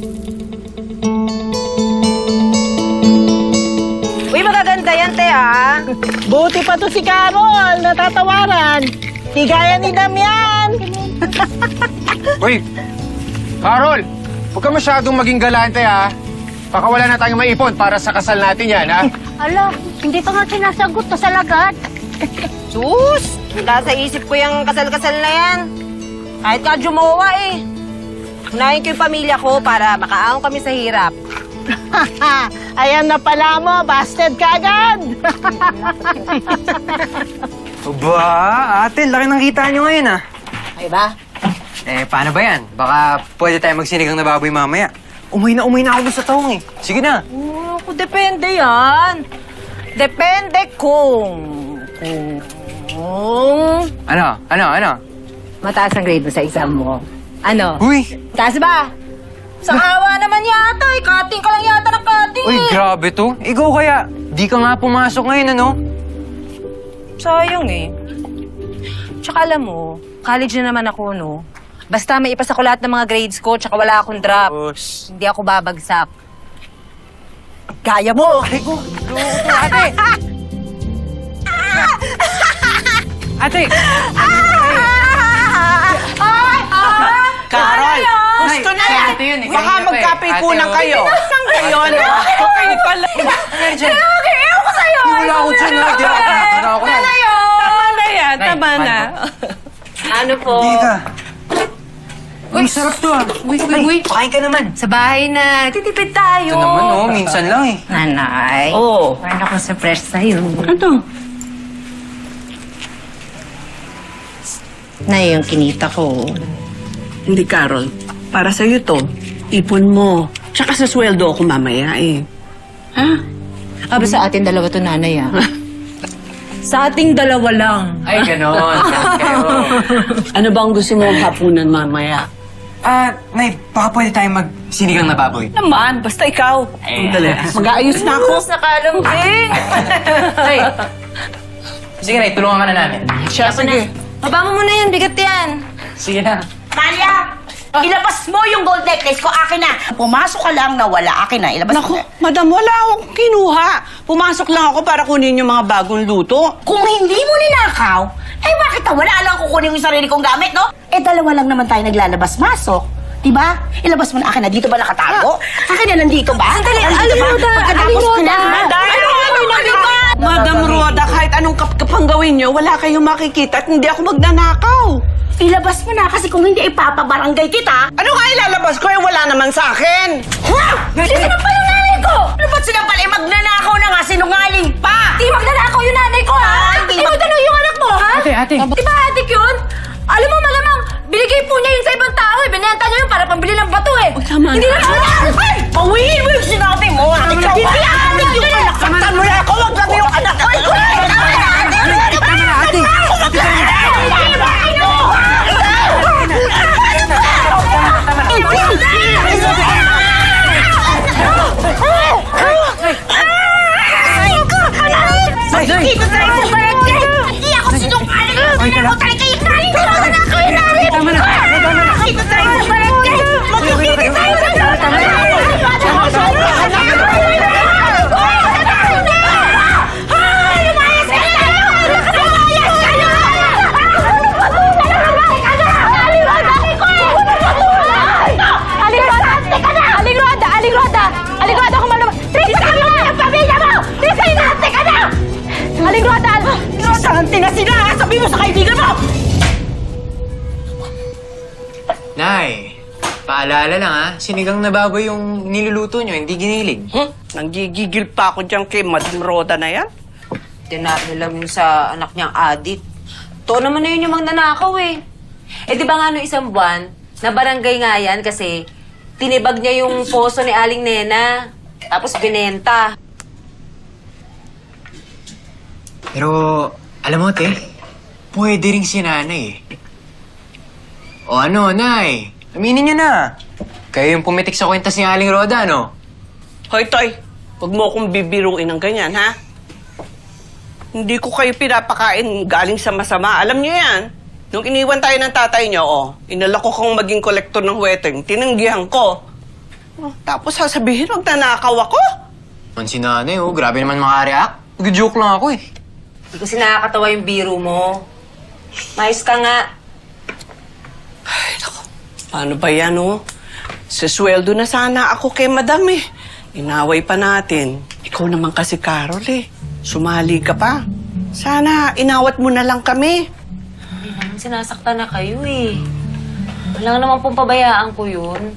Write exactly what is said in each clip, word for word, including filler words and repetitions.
Uy, magaganda yan, te, ah. Buti pa to si Carol, natatawaran. Di gaya ni Damian. Uy, Carol, huwag ka masyadong maging galante, ha? Baka wala na tayong maipon para sa kasal natin yan, ha? Ala, hindi pa nga sinasagot to sa lagat. Sus! Wala sa isip ko yung kasal-kasal na yan. Kahit ka jumawa, eh. Unahin ko yung pamilya ko para makaahon kami sa hirap. Ayan na pala mo, busted ka agad. Aba, ate, laki ng kita nyo ngayon, ah. Ay ba? Eh, paano ba yan? Baka pwede tayo magsinigang na baboy mamaya. Umuwi na umuwi na ako sa taong, eh. Sige na. Oh, depende yan. Depende kung... Kung... Ano? Ano? Ano? Mataas ang grade mo sa exam mo. Ano? Uy! Taas ba? Sa awa naman yata, eh. Cutting ka lang yata ng cutting, Uy, eh. grabe to. Ikaw kaya, di ka nga pumasok ngayon, ano? Sayang, eh. Tsaka alam mo, college na naman ako, no? Basta may ipasa ko lahat ng mga grades ko, tsaka wala akong drop. Boss. Hindi ako babagsak. Kaya mo! Ate ko! Ate! Ate! Carol, gusto na yan. Ate yun, eh. Baka Kanina pa, eh. magkapikunan Ate, kayo. Saan kayo, no? Okay pala. Ano dyan? Ewan ko sa'yo! Wala ako dyan, ha? Di ako. Ano ako yan? Tama na yan, Nay, tama na. Ano po? Hindi ka. Uy, sarap to, ah. Uy, uy, uy. Pakain ka naman. Sa bahay na, titipid tayo. Ito naman, oh. Minsan lang, eh. Nanay. Oo. Paano ako sa fresh sa'yo? Ano? Na yung kinita ko. Hindi, Carol. Para sa'yo to. Ipon mo. Tsaka sa sweldo ako mamaya eh. Ha? Aba sa atin dalawa to, nanay, ah. Sa ating dalawa lang. Ay, ganon. Kayo. Ano ba ang gusto mong hapunan mamaya? Ah, Nay, baka pwede tayong magsinigang na baboy. Naman, basta ikaw. Eh. Dali. Mag-aayos na ako. Sa kalambing. Nay! Sige, Nay, tulungan ka na namin. Siya, sige. Baba mo muna yan, bigat yan. Sige na. Malia! Ilabas mo yung gold necklace ko, akin na. Pumasok ka lang na wala, akin na. Ilabas Naku, mo. madam, wala akong kinuha. Pumasok lang ako para kunin yung mga bagong luto. Kung hindi mo ninakaw, eh bakit na wala lang kukunin yung sarili kong gamit, no? Eh dalawa lang naman tayo naglalabas-masok. Diba? Ilabas mo na akin na. Dito ba nakatago? Akin na nandito ba? Sandali, Nandito Aling ba? Roda, Pagkatapos Aling ko na. Roda. Madam, ano ano nandito? Madam Roda, kahit anong kapkapang gawin nyo, wala kayong makikita at hindi ako magnanakaw. Ilabas mo na kasi kung hindi ipapabarangay kita. Ano nga ilalabas ko? Eh, wala naman sa akin. Ha? Sinampal yung nanay ko! Ano ba't sinampal? Eh, magnanakaw na nga, sinungaling pa! Di magnanakaw yung nanay ko, ha? Ah, hindi Di mo tanong yung anak mo, ha? Ate, ate. Di ba adik yun? Alam mo, malamang, binigay po niya yun sa ibang tao, eh. Binenta niya yun para pambili ng bato, eh. tama Hindi na. na Ay! Pawiin mo yung sinabi mo! Ikaw, Hindi, hindi ate, adik yung ate. anak! mo na ako! Wag lang yung anak ko! Ay, ko! Dito tayo sa barangay! Hindi ako sinungaling! Hindi ako talaga yung nanay ko! Wala ako yung nanay ko! Dito tayo sa barangay! Magkikita tayo sa Aling Roda! Aling Roda! Aling Roda, kung malamang... Trisa ka mo! Ang pamilya mo! Trisa, inarte ka na! Aling Roda! Sante na sila! Sabi mo sa kaibigan mo! Nay, paalala lang, ha? Sinigang na baboy yung niluluto nyo, hindi giniling. Hmm? Nanggigigil pa ako dyan kay Madam Roda na yan. Tinalo lang yun sa anak niyang adik. To naman na yun yung magnanakaw, eh. Eh, di ba nga no isang buwan, na barangay nga yan kasi tinibag niya yung poso ni Aling Nena. Tapos binenta. Pero, alam mo, te, pwede rin si nanay, eh. O ano, nay? Aminin nyo na. Kayo yung pumitik sa kwentas ni Aling Roda, no? Hoy, Toy, huwag mo akong bibiruin ng ganyan, ha? Hindi ko kayo pinapakain galing sa masama. Alam niyo yan. Nung iniwan tayo ng tatay niyo, oh, inalok ko kang maging kolektor ng weteng, tinanggihan ko. Oh, tapos sasabihin, magnanakaw ako? Man si nanay, oh. Grabe naman makareact. Nag-joke lang ako eh. Hindi kasi nakakatawa yung biro mo. Mayos ka nga. Ay, naku. Paano ba yan, oh? Sisweldo na sana ako kay madam eh. Inaway pa natin. Ikaw naman kasi, Carol eh. Sumali ka pa. Sana inawat mo na lang kami. Hindi naman sinasaktan na kayo eh. Wala naman pong pabayaan ko yun.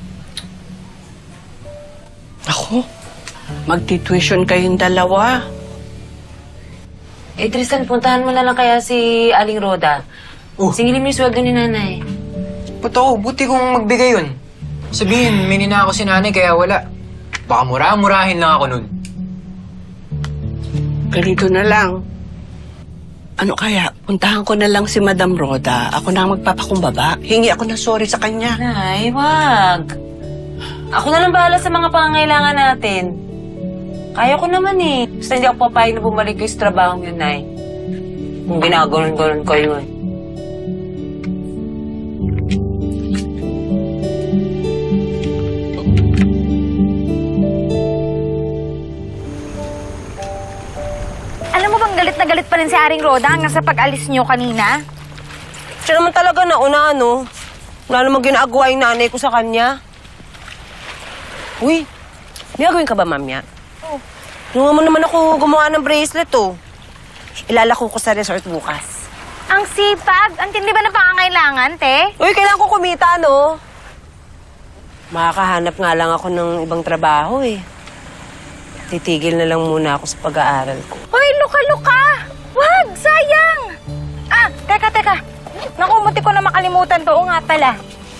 Ako, magti-tuition kayong dalawa. Eh, Tristan, puntahan mo na lang kaya si Aling Roda. Oh. Singilin mo yung sweldo ni nanay. Totoo, buti kong magbigay yun. Sabihin, may ninako si nanay kaya wala. Baka mura-murahin lang ako nun. Ganito na lang. Ano kaya, puntahan ko na lang si Madam Roda. Ako na ang magpapakumbaba. Hingi ako ng sorry sa kanya. Nay, wag. Ako na lang bahala sa mga pangangailangan natin. Kaya ko naman eh. Basta hindi ako papayag na bumalik kayo sa trabaho yun, Nay. Kung ginaganon-ganon kayo eh. Alam mo bang galit na galit pa rin si Aring Roda hanggang sa pag-alis niyo kanina? Siya naman talaga nauna, ano? Wala namang ginagawa yung nanay ko sa kanya. Uy, may gagawin ka ba, mamya? Oo. Tulungan mo naman ako gumawa ng bracelet, oh. Ilalako ko sa resort bukas. Ang sipag! Ang tindi ba ng pangangailangan, te? Uy, kailangan ko kumita, no? Makakahanap nga lang ako ng ibang trabaho, eh. Titigil na lang muna ako sa pag-aaral ko. Hoy, luka-luka! Wag! Sayang! Ah, teka, teka. Naku, munti ko na makalimutan to. Oo nga pala.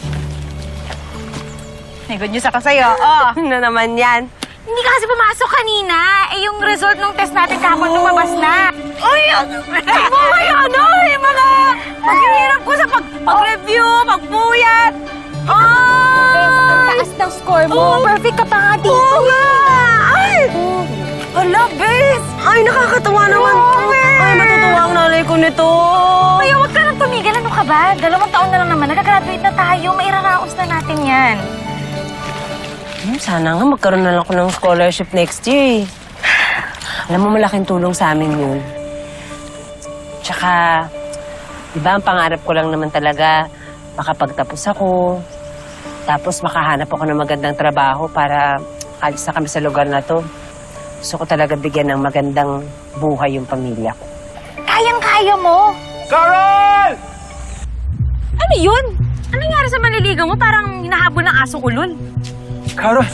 May good news ako sa'yo. Oh. Ano naman yan? Hindi ka kasi pumasok kanina. Eh, yung result ng test natin kahapon lumabas na. Uy, ano? Ay, ano? Yung mga paghihirap ko sa pag pag-review, pagpuyat. Ah! Ang taas ng score mo. Perfect ka pa nga dito. Oo nga! Ay! Hala, bes! Ay, nakakatawa naman to. Ay, matutuwa ang nanay ko nito. Ay, huwag ka nang tumigil. Ano ka ba? Dalawang taon na lang naman. Nagagraduate na tayo. Mairaraos na natin yan. Hmm, sana nga magkaroon na lang ako ng scholarship next year eh. Alam mo, malaking tulong sa amin yun. Tsaka, di ba ang pangarap ko lang naman talaga, makapagtapos ako, tapos makahanap ako ng magandang trabaho para alis na kami sa lugar na to. Gusto ko talaga bigyan ng magandang buhay yung pamilya ko. Kayang-kaya mo. Carol! Ano yun? Ano nangyari sa manliligaw mo? Parang hinahabol ng asong ulol. Carol!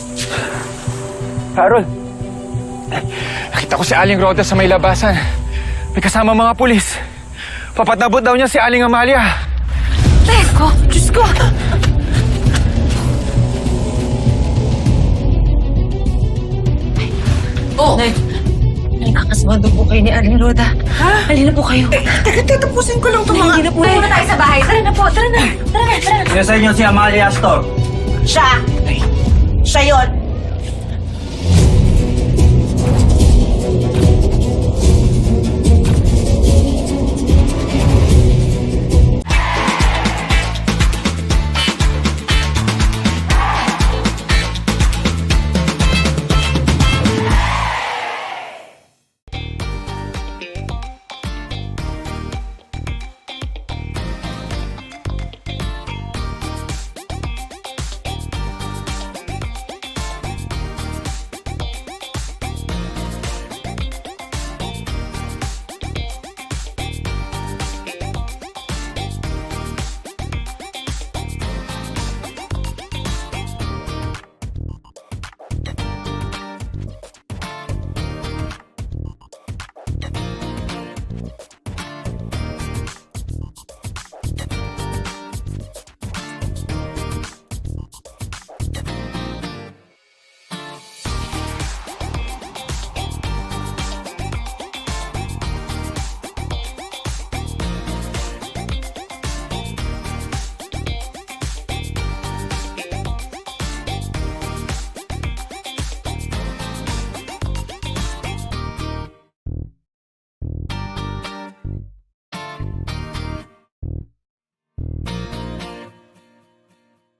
Carol! Nakita ko si Aling Roda sa may labasan. May kasama mga pulis. Papatabot daw niya si Aling Amalia. Teko, Diyos ko! Oh! Nay, nakakasmado po kayo ni Aling Roda. Ha? Halina po kayo. Eh, teka, tatapusin ko lang ito mga... Hindi na po Uwi eh. muna tayo sa bahay. Tara na po, tara na. Tara na, tara na. Kaya sa inyo si Amalia Astor. Siya. Siya yun.